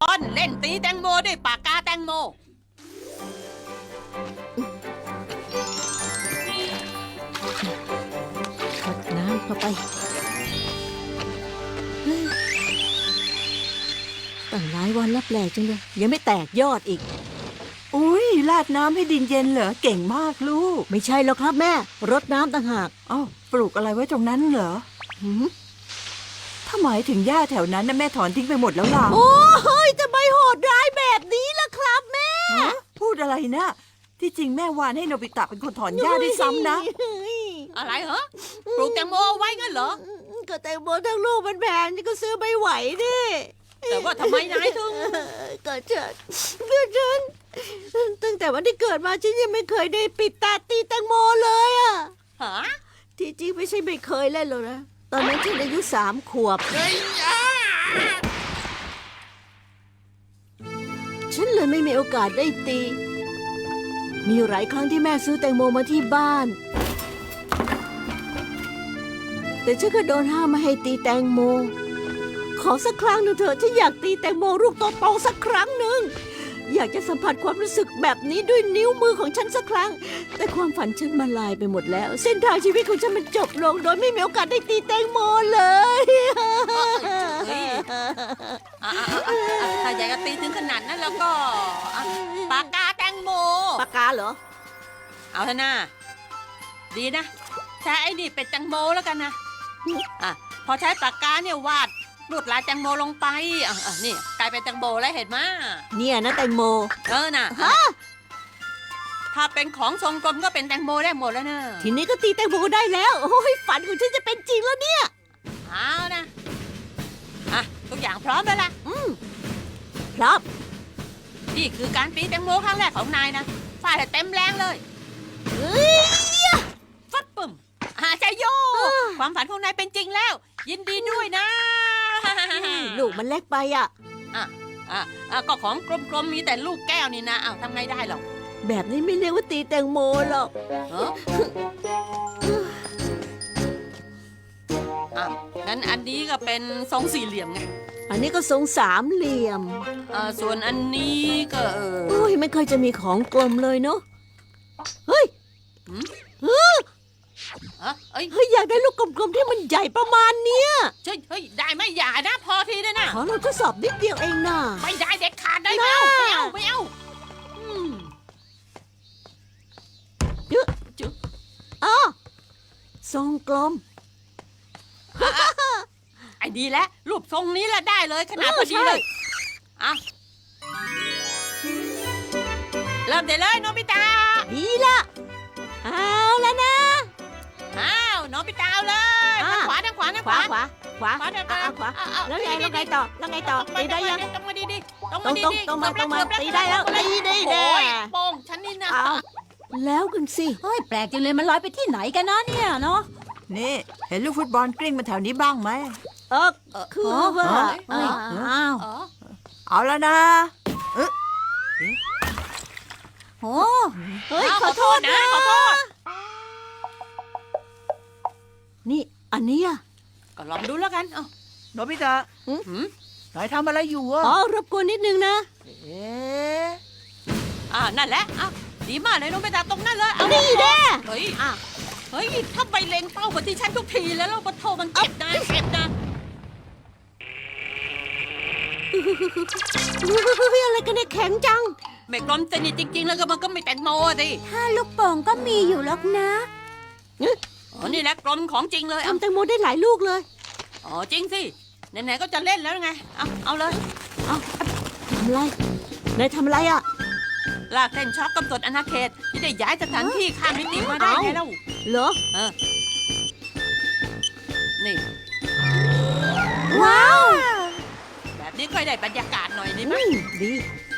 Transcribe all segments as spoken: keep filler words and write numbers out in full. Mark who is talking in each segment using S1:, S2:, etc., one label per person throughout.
S1: อนเล่นตีแตงโมด้วยปากกาแตงโม
S2: รดน้ำเข้าไปเฮ้ยตั้งหลายวันแล้วแปลกจังเลยยังไม่แตกยอดอีก
S3: อุ้ยราดน้ำให้ดินเย็นเหรอเก่งมากลูก
S2: ไม่ใช่แล้วครับแม่รดน้ำต่างหาก
S3: อ้าวปลูกอะไรไว้ตรงนั้นเหรอ
S2: หืม
S3: ถ้าหมายถึงหญ้าแถวนั้นนะแม่ถอนทิ้งไปหมดแล้วล่ะ
S2: โอ้ยจะไม่โหดร้ายแบบนี้ล่ะครับแม่
S3: ฮะพูดอะไรนะที่จริงแม่วานให้โนบิตะเป็นคนถอนหญ้าด้วยซ้ำนะ
S1: อะไรเหรอปลูกแตงโมเอาไว้งั้นเหรอ
S2: ก็แตงโมทั้งลูกมันแพงนี่ก็ซื้อไม่ไหวดิ
S1: แต่ว่าทำไมนายถึง
S2: ก็ฉันก็ฉันตั้งแต่วันที่เกิดมาฉันยังไม่เคยได้ปิดตาตีแตงโมเลยอะ
S1: ฮะ
S2: ที่จริงไม่ใช่ไม่เคยเล่นหรอกนะตอนนั้นฉันอายุสามขวบ
S1: เฮ้ยอ่ะ
S2: ฉันเลยไม่มีโอกาสได้ตี มีหลายครั้งที่แม่ซื้อแตงโมมาที่บ้าน แต่ฉันก็โดนห้ามไม่ให้ตีแตงโม ขอสักครั้งหนึ่งเถอะฉันอยากตีแตงโมลูกโตๆสักครั้งหนึ่ง อยากจะสัมผัสความรู้สึกแบบนี้ด้วยนิ้วมือของฉันสักครั้ง แต่ความฝันฉันมาลายไปหมดแล้ว เส้นทางชีวิตของฉันมันจบลง โดยไม่มีโอกาสได้ตีแตงโมเลย
S1: เฮ้ยอ่ะอ่ะอ่ะอ่ะถ้าอยากจะตีถึงขนาดนั้นแล้วก็อ่ะปากกาแตงโม
S2: ปากกาเหรอ
S1: เอาเถอะนะดีนะใช้ไอ้นี่เป็นแตงโมแล้วกันนะอ่ะพอใช้ปากกาเนี่ยวาดลวดลายแตงโมลงไปอ่ะอ่ะนี่กลายเป็นแตงโมแล้วเห็นไหม
S2: เนี่ยนะแตงโม
S1: เออน่ะอ่ะถ้าเป็นของทรงกลมก็เป็นแตงโมได้หมดแล้วเนอะ
S2: ทีนี้ก็ตีแตงโมได้แล้ว โอ้ยฝันของฉันจะเป็นจริงแล้วเนี่ย
S1: เอานะอ่ะทุกอย่างพร้อมแล้วล่ะ
S2: อืมครับ
S1: นี่คือการตีแตงโมครั้งแรกของนายนะฟาดให้เต็มแรงเลย
S2: เฮ้ย
S1: ฟัดปุ่มอาใจโย
S2: อ่า
S1: ความฝันของนายเป็นจริงแล้ว ยินดีด้วยนะ
S2: ลูกมันเล็กไปอ่ะ
S1: อ่ะอ่ะอ่ะก็ของกลมๆมีแต่ลูกแก้วนี่นะอ้าวทำไงได้หรอก
S2: แบบนี้ไม่เรียกว่าตีแตงโมหรอก
S1: เอออ่ะงั้นอันนี้ก็เป็นทรงสี่เหลี่ยมไง
S2: อันนี้ก็ทรงสามเหลี่ยม
S1: อ่าส่วนอันนี้ก็เออ
S2: โอ้ยไม่เคยจะมีของกลมเลยเนาะ เฮ้ย
S1: หืม
S2: เฮ้ย
S1: อ่ะเอ้ย
S2: เฮ้ยอยากได้ลูกกลมๆที่มันใหญ่ประมาณเนี้ย
S1: เฮ้ยเฮ้ยได้ไหมอย่านะพอทีนะนะ
S2: ขอเราทดสอบนิดเดียวเองนะ
S1: ไม่ได้เด็ดขาดได้ไม่เอา
S2: น่า
S1: ไม่เอาไม่เอาอืม
S2: เยอะจุอ๋อทรงกลม
S1: ไอ้ดีแล้วรูปทรงนี้แหละได้เลยขนาด
S2: เออ
S1: พอดี
S2: ใช่
S1: เลยอ่ะเริ่มได้เลยโนบิตะ
S2: ดีละเอาแล้วนะ
S1: อ้าวโนบิตะเอาเลย
S2: อ่ะ
S1: ทางขวาทางขวาทาง
S2: ข
S1: ข
S2: วาว
S1: า
S2: ขวาขวา
S1: ขวาเดินไป
S2: อ่ะขวา
S1: เอาเอา
S2: แล้วไง
S1: ดี
S2: แล้วไง
S1: ดี
S2: ต่อแล้วไงต่อ
S1: ตรง
S2: ตีได้ยัง
S1: ตรงมาดีดีตรง
S2: ตร
S1: มาง ดี
S2: ตรง
S1: ดี
S2: ตรงมาตรงมา
S1: เกือบ
S2: ตีได้แล้ว
S1: เกือบ
S2: ตีได้แน่
S1: โอ้ยโป่งฉันนี่นะ
S2: เอาแล้วกันสิ
S4: เฮ้ย แปลกจังเลยมันลอยไปที่ไหนกันนะเนี่ยเนาะ
S3: นี่เห็นลูกฟุตบอลกลิ้งมาแถวนี้บ้างไหม
S2: เออคือว่า
S3: เอ้ย
S2: อ้าว
S1: เออ
S3: เอาแล้วนะ
S4: โอ้
S2: เฮ้ย
S1: อ้าว
S2: ขอโทษนะ
S1: ขอโทษ
S2: นี่อันเนี้ย
S1: ก็ลองดูแล้วกันเอ้า
S3: โนบิตะ
S1: หืม
S3: นายทำอะไรอยู่อะ
S2: อ๋อรบกวนนิดนึงนะ
S3: เอ๊ะ
S1: อ่านั่นแหละอ่ะดีมากเลยโนบิตะตรงนั้นเลยเอา
S2: นี่แน่
S1: เฮ้ยอ่ะเฮ้ยถ้าไปเล็งเป้ามาที่ฉันทุกทีแล้วเราปะโทมันเจ็บนะเจ็บนะ
S2: เฮ้ยอะไรกันเนี่ยแข็งจัง
S1: ไม่กลมสนิทจริงๆ แล้วก็มันก็ไม่แตงโมอะสิ
S4: ถ้าลูกโป่งก็มีอยู่หรอกนะ
S1: อ๋อนี่แหละกลมของจริงเลยเอา
S2: ทำแตงโมได้หลายลูกเลย
S1: อ๋อจริงสิไหนๆก็จะเล่นแล้วไงเอาเอาเลย
S2: เอาทำอะไรนายทำอะไรอ่ะ
S1: ลากเส้นช็อกกำหนดอาณาเขตที่ได้ย้ายสถานที่ข้ามมิติมาได้ไงเล่า
S2: เหรอ
S1: เออนี่
S2: ว้าว
S1: แบบนี้ค่อยได้บรรยากาศหน่อยดีไหม
S2: อืมดี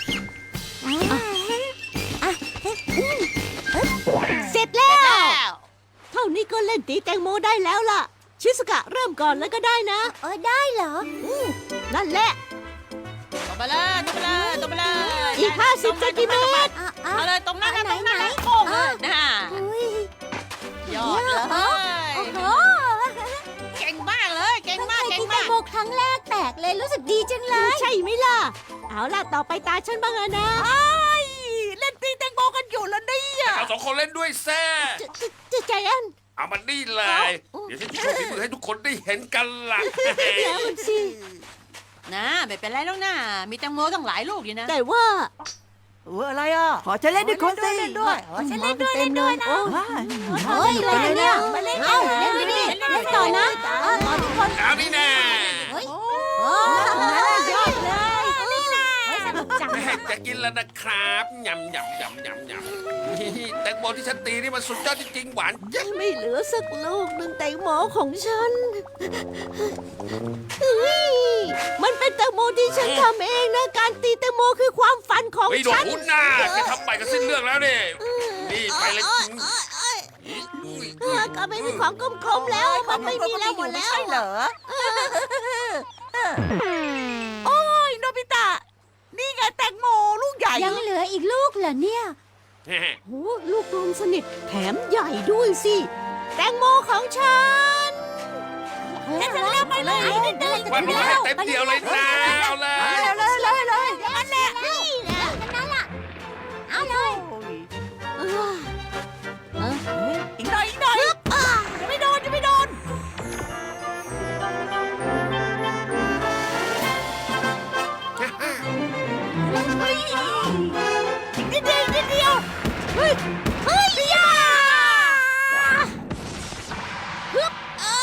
S2: เสร็จแล้
S1: เสร็จ
S2: ว
S1: แล้ว
S2: เท่านี้ก็เล่นตีแตงโมได้แล้วล่ะ ชิสกะเริ่มก่อนแล้วก็ได้นะ
S4: เออได้เหรอ
S2: นั่นแหละ
S1: ตรงไปเลยตรงไปเลยตรงไปเลย
S2: อีกห้าสิบเซนติเมตร
S4: อ่ะอ่ะ
S1: เอาเลยตรงนั้นนะ
S4: ไหน
S1: ตรงนั้น
S4: ไหน
S1: นะโป้งเลยนะ
S4: อุ้ย
S1: ยอดเลย
S4: โอ้โห
S1: เก่งมากเลยเก่ง
S4: เพิ่ง
S1: มาก
S4: เคย
S1: เก่ง
S4: กินแต
S1: มาง ก
S4: โมครั้งแรกแตกเลยรู้สึกดีจังเลย
S2: ใช่ไหมล่ะ เอาล่ะ ต่อไปตาฉันบ้างอะนะ
S3: เล่นตีแตงโมกันอยู่แล้วเนี่ย
S5: เอาสองคนเล่นด้วยแซ่
S2: จะจะจะใจแอน
S5: เอามันนี่เลย เดี๋ยวฉันจะโชว์ฝีมือให้ทุกคนได้เห็นกันล่ะ
S2: แล้วมันสิ
S1: นะไม่เป็นไรแล้วนะมีแตงโมตั้งหลายลูกอยู่นะ
S2: แต่ว่า
S3: เอออะไรอ่ะ ขอฉันเล่นด้วยคนสิ
S4: เล่นด้วยฉันเล่นด้วยเล่นด้วยนะ
S2: โอ้
S4: เฮ้ยอะไรกันเนี่ยเอ้าเล่นไปดิเล่นต่อนะเออต่อทุกคน
S5: เอานี่แน่
S4: เฮ้ยโอ้ยอดเลยเฮ้ยสนุกจัง
S5: แม่จะกินแล้วนะครับยำยำยำยำยำนี่แตงโมที่ฉันตีนี่มันสุดยอดจริงๆหวานเจี๊ยบ
S2: ไม่เหลือสักลูกหนึ่งแตงโมของฉันเฮ้ยมันเป็นแตงโมที่ฉันทำเองนะ การตีแตงโมคือความฝันของ
S5: ไม่โดน
S2: ฉัน
S5: หุ่นหน้าแกทำไปก็สิ้นเรื่องแล้วนี่นี่ไปเลย
S2: เออก็ไม่มีของกลมๆแล้ว มันไม่มีแล้วหมดแล้ว
S3: ใช่เหรอ โอ้ยโนบิตะ นี่ไงแตงโมลูกใหญ่
S4: ยังเหลืออีกลูกเหรอเนี่ย
S2: โอ้ลูกกลมสนิทแถมใหญ่ด้วยสิ แตงโมของฉัน
S4: เล่นกันแล้วไปเลย
S5: วันนี้ให้เต็มเดียวเลยนะเอาเลย
S3: เลยเลยเลย
S4: นั่นแหละนี่แหละนั่นแหละเอาเลย
S2: เออเออ
S3: อีกหน่อยอีกหน่อยจะไม่โดนจะไม่โดนเฮ้ยอีกนิดเดียวอีกนิดเดียวเฮ้ยเฮ้ยยาฮึบอ่า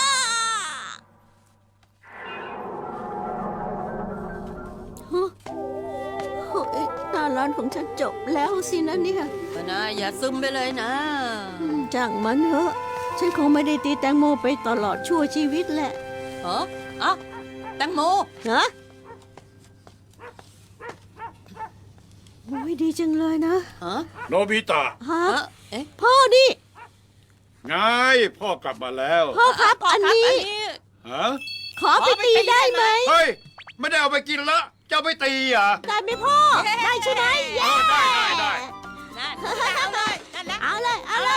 S2: ฮะโอ้ยหน้าร้านของฉันจบแล้วสินะเนี่ย
S1: ก็นะอย่าซึมไปเลยนะ
S2: อืมจ้างมันเถอะ ฉันคงไม่ได้ตีแตงโมไปตลอดชั่วชีวิตแหละ
S1: เออเอ้าแตงโม
S2: ฮะโอ้ยดีจังเลยนะ
S1: ฮะ
S6: โนบิตะ
S2: ฮะ
S1: เออเอ๊ะ
S2: พ่อนี่
S6: ไงพ่อกลับมาแล้ว
S2: พ่อครับอันนี้
S6: ฮะ
S2: ขอไปตีได้ไหม
S6: เฮ้ย ไม่ได้เอาไปกินละจะเอาไปตีเหรอ่ะ
S2: ได้ไหมพ่อ ได้ใช่ไหม
S6: เออได้ได้ได้
S1: นั่นเอาเลยนั่นแหละ
S2: เอาเลย เอาเล